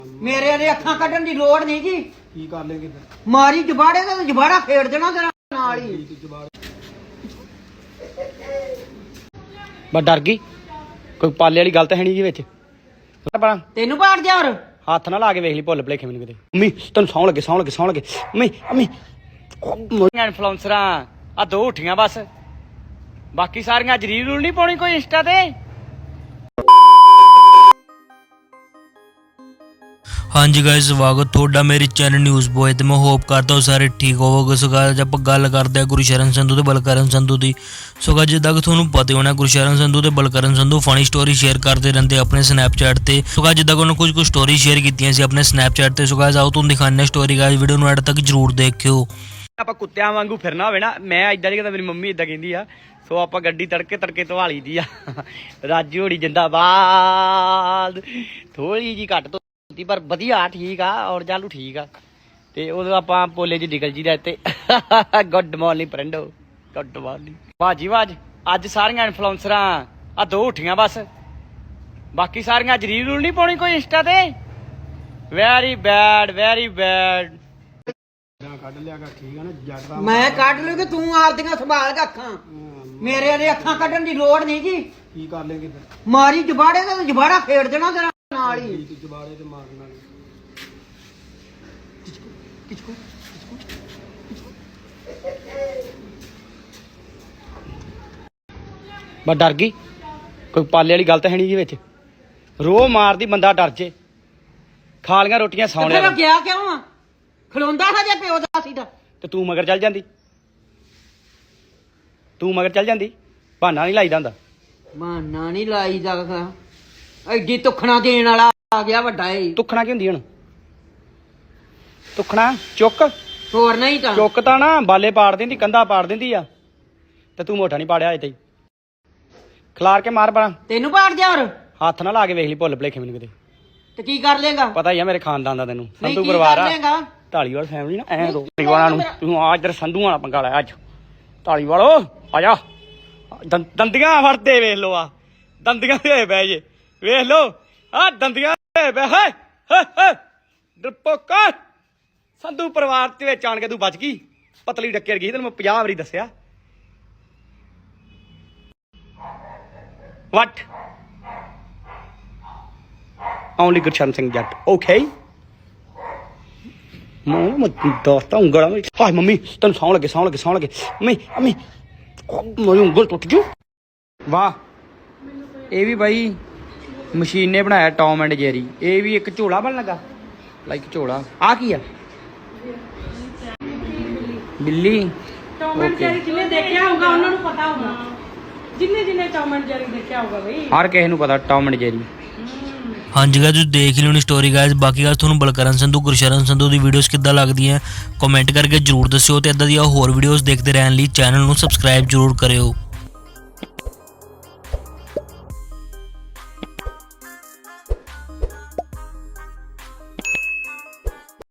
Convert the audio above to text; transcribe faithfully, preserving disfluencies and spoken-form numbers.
ਮੇਰੇ ਦੇ ਅੱਖਾਂ ਕੱਢਣ ਦੀ ਲੋੜ ਨਹੀਂ ਜੀ। ਕੀ ਕਰ ਲੇਗੇ ਫਿਰ? ਮਾਰੀ ਜਬਾੜੇ ਦਾ ਜਬਾੜਾ ਫੇੜ ਦੇਣਾ ਤੇਰਾ ਨਾਲ ਹੀ। ਬਸ ਡਰ ਗਈ, ਕੋਈ ਪਾਲੇ ਵਾਲੀ ਗੱਲ ਤਾਂ ਹੈ ਨਹੀਂ ਜੀ ਵਿੱਚ। ਤੈਨੂੰ ਪਾੜ ਜਾ ਹੋਰ ਹੱਥ ਨਾ ਲਾ ਕੇ ਵੇਖ ਲਈ, ਭੁੱਲ ਭੁਲੇਖੇ ਮੈਨੂੰ ਕਿਤੇ। ਮੰਮੀ ਤੈਨੂੰ ਸੌਣ ਲੱਗੇ ਸੌਣ ਲੱਗੇ ਸੌਣ ਲੱਗੇ ਮੰਮੀ ਮੰਮੀ ਇਨਫਲੂਐਂਸਰਾਂ ਆ ਦੋ ਉੱਠੀਆਂ ਬਸ, ਬਾਕੀ ਸਾਰੀਆਂ ਅੱਜ ਰੀਲ ਰੂਲ ਨਹੀਂ ਪਾਉਣੀ ਕੋਈ ਇੰਸਟਾ ਤੇ। हाँ जी गाइस, स्वागत थोड़ा मेरे चैनल न्यूज़ बॉय ते मैं होप करता हूँ सारे ठीक होवोगे। सो गाइस आप गल करते हैं गुरशरण संधू ते बलकरण संधू की। सो गाइस जिद्दां कि तुहानूं पता होना गुरशरण संधू ते Balkaran Sandhu funny story share करते रहते अपने स्नैपचैट ते। सो गाइस जिद्दां कि उन्होंने कुछ कुछ स्टोरी शेयर कीतियां सी अपने स्नैपचैट ते। सो गाइस आओ तुहानूं दिखाने स्टोरी, गाइस वीडियो नूं एंड तक जरूर देखियो। ਆਪਾਂ ਕੁੱਤਿਆਂ ਵਾਂਗੂ ਫਿਰਨਾ ਹੋਵੇ ਨਾ, ਮੈਂ ਇਦਾਂ ਨਹੀਂ ਕਹਿੰਦਾ, ਮੇਰੀ ਮੰਮੀ ਇਦਾਂ ਕਹਿੰਦੀ ਆ। ਸੋ ਆਪਾਂ ਗੱਡੀ ਤੜਕੇ ਤੜਕੇ ਧਵਾ ਲਈ ਦੀ ਆ। ਰਾਜੂ ਹੋੜੀ ਜਿੰਦਾਬਾਦ, ਥੋੜੀ ਜੀ ਘੱਟ ਪਰ ਵਧੀਆ ਠੀਕ ਆ, ਔਰ ਚਾਲੂ ਠੀਕ ਆ। ਤੇ ਉਦੋਂ ਆਪਾਂ ਪੋਲੇ ਜੀ ਨਿਕਲ ਜੀ ਦਾ ਇੱਥੇ। ਗੁੱਡ ਮਾਰਨਿੰਗ ਫਰੈਂਡੋ, ਗੁੱਡ ਮਾਰਨਿੰਗ ਭਾਜੀ। ਵਾਜ ਅੱਜ ਸਾਰੀਆਂ ਇਨਫਲੂਐਂਸਰਾਂ ਆ ਦੋ ਉੱਠੀਆਂ ਬਸ, ਬਾਕੀ ਸਾਰੀਆਂ ਅੱਜ ਰੀਲ ਰੂਲ ਨਹੀਂ ਪਾਉਣੀ ਕੋਈ ਇੰਸਟਾ ਤੇ। Very bad very bad. ਕੱਢ ਲਿਆ ਕਰ, ਠੀਕ ਆ ਨਾ ਜੱਟ। ਮੈਂ ਕੱਢ ਲੂ ਕਿ ਤੂੰ ਆਪਦੀਆਂ ਸੰਭਾਲ ਕੇ ਅੱਖਾਂ। ਮੇਰੇ ਦੇ ਅੱਖਾਂ ਕੱਢਣ ਦੀ ਲੋੜ ਨਹੀਂ ਜੀ। ਕੀ ਕਰ ਲੇਗੇ ਫਿਰ? ਮਾਰੀ ਜਬਾੜੇ ਦਾ ਜਬਾੜਾ ਫੇੜ ਦੇਣਾ ਤੇਰਾ ਨਾਲ ਹੀ। ਜਬਾੜੇ ਤੇ ਮਾਰਨਾ ਬਸ ਡਰ ਗਈ, ਕੋਈ ਪਾਲੇ ਵਾਲੀ ਗੱਲ ਤਾਂ ਹੈ ਨਹੀਂ ਜੀ ਵਿੱਚ। ਰੋਹ ਮਾਰਦੀ ਬੰਦਾ ਡਰ ਜੇ। ਖਾ ਲੀਆਂ ਰੋਟੀਆਂ ਸੌਂ ਲਿਆ। ਫਿਰ ਗਿਆ ਕਿਉਂ ਆ? ਖਲੋਂਦਾ ਹਜੇ ਪਿਓ ਦਾ ਸੀ ਤਾਂ। ਤੇ ਤੂੰ ਮਗਰ ਚੱਲ ਜਾਂਦੀ, ਤੂੰ ਮਗਰ ਚੱਲ ਜਾਂਦੀ। ਬਹਾਨਾ ਨਹੀਂ ਲਾਈਦਾ ਹੁੰਦਾ। ਬਹਾਨਾ ਨਹੀਂ ਲਾਈਦਾ। ਐਡੀ ਤੁਖਣਾ ਦੇਣ ਵਾਲਾ ਆ ਗਿਆ ਵੱਡਾ ਏ। ਤੁਖਣਾ ਕੀ ਹੁੰਦੀ ਹੁਣ? ਤੁਖਣਾ ਚੁੱਕ, ਹੋਰ ਨਹੀਂ ਤਾਂ ਚੁੱਕ ਤਾਂ ਨਾ ਬਾਲੇ ਪਾੜ ਦਿੰਦੀ, ਕੰਧਾ ਪਾੜ ਦਿੰਦੀ ਆ। ਤੇ ਤੂੰ ਮੋਟਾ ਨਹੀਂ ਪਾੜਿਆ ਅਜੇ ਤਾਈਂ। ਖਿਲਾਰ ਕੇ ਮਾਰ ਬਣਾ। ਤੈਨੂੰ ਪਾੜ ਜਾ ਹੋਰ ਹੱਥ ਨਾ ਲਾ ਕੇ ਵੇਖ ਲਈ, ਭੁੱਲ ਭੁਲੇਖੇ ਮੈਨੂੰ ਕਿਤੇ। ਤੇ ਕੀ ਕਰ ਲੇਗਾ? ਪਤਾ ਹੀ ਆ ਮੇਰੇ ਖਾਨਦਾਨ ਦਾ ਤੈਨੂੰ। ਨਹੀਂ, ਸੰਧੂ ਕੀ ਪਰਿਵਾਰ ਕਰ ਆ, ਲਏਗਾ? ਢਾਲੀਵਾਲ ਫੈਮਿਲੀ ਨਾ। ਐ ਦੋ ਢਾਲੀਵਾਲਾਂ ਨੂੰ ਤੂੰ ਆ ਇੱਧਰ ਸੰਧੂਆਂ ਵਾਲਾ ਪੰਗਾ ਲਿਆ ਅੱਜ। ਢਾਲੀਵਾਲੋ ਆ ਜਾ, ਦੰ- ਦੰਦੀਆਂ ਫੜਦੇ ਵੇਖ ਲੋ, ਆ ਦੰਦੀਆਂ ਦੇ ਬਹਿ ਜੇ ਵੇਖ ਲੋ, ਆ ਦੰਦੀਆਂ ਦੇ ਬਹਿ। ਹੈ ਹੈ ਡਰਪੋਕਾ ਸੰਧੂ ਪਰਿਵਾਰ ਦੇ ਵਿੱਚ ਆਣ ਕੇ ਤੂੰ ਬਚ ਗਈ। ਪਤਲੀ ਡੱਕੇ ਗਈ, ਤੈਨੂੰ ਮੈਂ ਪੰਜਾਹ ਵਾਰੀ ਦੱਸਿਆ। ਵਟ ਓਨਲੀ ਗੁਰਸ਼ਰਨ ਸਿੰਘ ਜੱਟ, ਓਕੇ। ਮੈਂ ਮੈਂ ਦੋਸਤਾਂ ਉਂਗਲਾਂ ਵਿੱਚ। ਹਾਏ ਮੰਮੀ ਤੈਨੂੰ ਸੌਣ ਲੱਗੇ ਸੌਣ ਲੱਗੇ ਸੌਣ ਲੱਗੇ ਮੰਮੀ ਮੰਮੀ ਮੇਰੀ ਉਂਗਲ ਟੁੱਟ ਜੂ। ਵਾਹ, ਇਹ ਵੀ ਬਾਈ ਮਸ਼ੀਨ ਨੇ ਬਣਾਇਆ ਟੌਮ ਐਂਡ ਜੈਰੀ। ਇਹ ਵੀ ਇੱਕ ਝੋਲਾ ਬਣ ਲੱਗਾ, ਲਾਈਕ ਝੋਲਾ। ਆ ਕੀ ਆ? ਬਿੱਲੀ। ਟੌਮ ਐਂਡ ਜੈਰੀ ਜਿਹਨੇ ਦੇਖਿਆ ਹੋਊਗਾ ਉਹਨਾਂ ਨੂੰ ਪਤਾ ਹੋਊਗਾ। ਜਿੰਨੇ ਜਿੰਨੇ ਟੌਮ ਐਂਡ ਜੈਰੀ ਦੇਖਿਆ ਹੋਊਗਾ ਬਈ, ਹਰ ਕਿਸੇ ਨੂੰ ਪਤਾ ਟੌਮ ਐਂਡ ਜੈਰੀ। हाँ जी गाइस, तुसीं देख लियो स्टोरी गाइस। बाकी गाइस तुहानूं बलकरण संधू गुरशरण संधू की वीडियोस किद्दां लगदियां कमेंट करके जरूर दस्सिओ। ते इदां दी होर वीडियोस देखते रहने लई चैनल नूं सबसक्राइब जरूर करियो।